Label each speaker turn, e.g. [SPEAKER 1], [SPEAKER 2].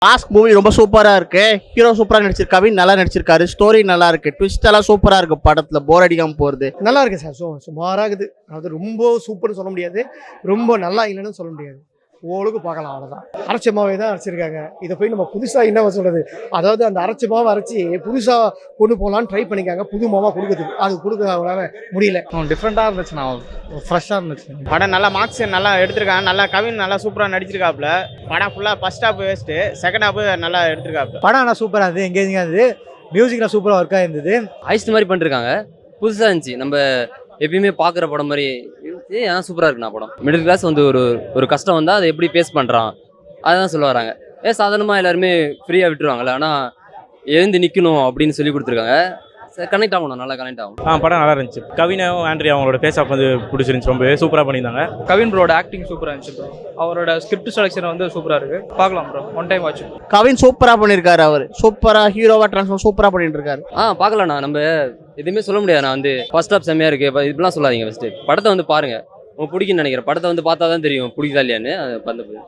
[SPEAKER 1] Mask movie ரொம்ப சூப்பரா இருக்கு. ஹீரோ சூப்பரா நடிச்சிருக்காரு, கவின் நல்லா நடிச்சிருக்காரு, ஸ்டோரி நல்லா இருக்கு, ட்விஸ்ட் எல்லாம் சூப்பரா இருக்கு. படத்துல போர் அடிக்காம போறது
[SPEAKER 2] நல்லா இருக்கு சார். சுமாராக இருக்குது. அது ரொம்ப சூப்பர்னு சொல்ல முடியாது, ரொம்ப நல்லா இல்லைன்னு சொல்ல முடியாது. ஓரளவுக்கு பார்க்கலாம், அவ்வளோதான். அரைச்ச மாவே தான் அரைச்சிருக்காங்க. இதை போய் நம்ம புதுசாக என்ன சொல்றது, அதாவது அந்த அரைச்ச மாவை அரைச்சி புதுசாக கொண்டு போகலான்னு ட்ரை பண்ணிக்காங்க, புது மாவாக கொடுக்குறதுக்கு. அது கொடுக்க அவங்களால முடியல.
[SPEAKER 3] டிஃப்ரெண்ட்டாக இருந்துச்சுண்ணா, ஃப்ரெஷ்ஷாக இருந்துச்சு.
[SPEAKER 4] படம் நல்லா மார்க்ஸ் நல்லா எடுத்திருக்காங்க. நல்லா கவின் நல்லா சூப்பராக நடிச்சிருக்காப்புல. படம் ஃபுல்லாக first half waste, second half நல்லா எடுத்திருக்காப்புல.
[SPEAKER 5] படம் ஆனால் சூப்பராக இருந்தது, எங்கேஜிங்காக இருந்தது, மியூசிக்லாம் சூப்பராக ஒர்க்காக இருந்தது.
[SPEAKER 6] ஐஸ்ட் மாதிரி பண்ணிருக்காங்க, புதுசாக இருந்துச்சு. நம்ம எப்பயுமே பார்க்குற படம் மாதிரி இருந்துச்சு. ஆனால் சூப்பராக இருக்குண்ணா படம். மிடில் கிளாஸ் வந்து ஒரு கஷ்டம் வந்தால் அதை எப்படி ஃபேஸ் பண்ணுறான் அதுதான் சொல்ல வராங்க. சாதாரணமாக எல்லாருமே ஃப்ரீயாக விட்டுருவாங்கல்ல, ஆனால் எழுந்து நிற்கணும் அப்படின்னு சொல்லி கொடுத்துருக்காங்க. கனெக்ட் ஆகணும், நல்லா கனெக்ட் ஆகும்.
[SPEAKER 7] படம் நல்லா இருந்துச்சு. கவினும் ஆண்ட்ரியா அவங்களோட பேஸ் ஆஃப் வந்து பிடிச்சிருந்துச்சு, ரொம்பவே சூப்பராக பண்ணியிருந்தாங்க.
[SPEAKER 3] கவின் ப்ரோட ஆக்டிங் சூப்பராக இருந்துச்சு ப்ரோ. அவரோட ஸ்கிரிப்ட் செலெக்ஷன் வந்து சூப்பராக இருக்குது. பார்க்கலாம் bro, one time watch.
[SPEAKER 1] Kavin சூப்பரா பண்ணிருக்காரு. அவர் சூப்பரா ஹீரோவா டிரான்ஸ்ஃபார்ம் சூப்பரா பண்ணிட்டு இருக்காரு.
[SPEAKER 6] பார்க்கலாம்ண்ணா. நம்ம எதுவுமே சொல்ல முடியாது. நான் வந்து ஃபர்ஸ்ட் ஹாஃப் செம்மையாக இருக்குது, இப்படிலாம் சொல்லாதீங்க. ஃபஸ்ட்டு படத்தை வந்து பாருங்கள், உங்களுக்கு பிடிக்குன்னு நினைக்கிறேன். படத்தை வந்து பார்த்தா தான் தெரியும் பிடிக்குதா இல்லையான்னு. அது